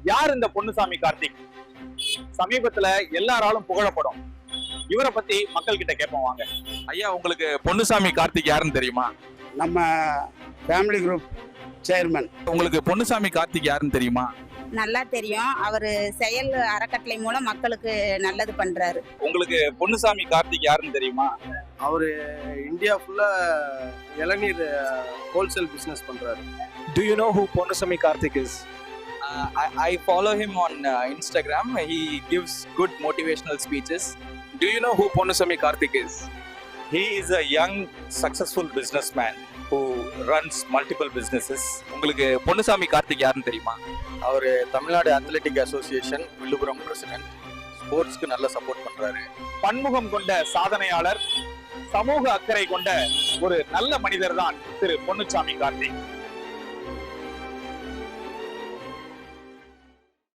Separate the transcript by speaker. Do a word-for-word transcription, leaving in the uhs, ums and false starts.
Speaker 1: யார் இந்த பொன்னுசாமி கார்த்திக்? சமீபத்துல எல்லாராலும் புகழப்படும். இவரை பத்தி மக்கள் கிட்ட கேட்போம் வாங்க. ஐயா, உங்களுக்கு பொன்னுசாமி கார்த்திக் யாருன்னு தெரியுமா?
Speaker 2: நம்ம ஃபேமிலி குரூப் சேர்மன்.
Speaker 1: உங்களுக்கு பொன்னுசாமி கார்த்திக் யாருன்னு தெரியுமா?
Speaker 3: நல்லா தெரியும். அவரு செயல் அறக்கட்டளை மூலம் மக்களுக்கு நல்லது பண்றாரு.
Speaker 1: உங்களுக்கு பொன்னுசாமி கார்த்திக் யாருன்னு தெரியுமா?
Speaker 4: அவரு இந்தியா ஃபுல்லா இளநீர் ஹோல்சேல் பிசினஸ் பண்றாரு.
Speaker 5: Do you know who Ponnusamy Karthik is?
Speaker 6: Uh, I, I follow him on uh, Instagram. He gives good motivational speeches.
Speaker 5: Do you know who Ponnusamy Karthik is?
Speaker 7: He is a young, successful businessman who runs multiple businesses.
Speaker 1: உங்களுக்கு பொன்னுசாமி கார்த்திக் யாருன்னு தெரியுமா?
Speaker 4: அவரு Tamil Nadu athletic association Villupuram president. ஸ்போர்ட்ஸ்க்கு நல்ல support பண்றாரு.
Speaker 1: பன்முகம் கொண்ட சாதனையாளர், சமூக அக்கறை கொண்ட ஒரு நல்ல மனிதர் தான் திரு பொன்னுசாமி கார்த்திக்.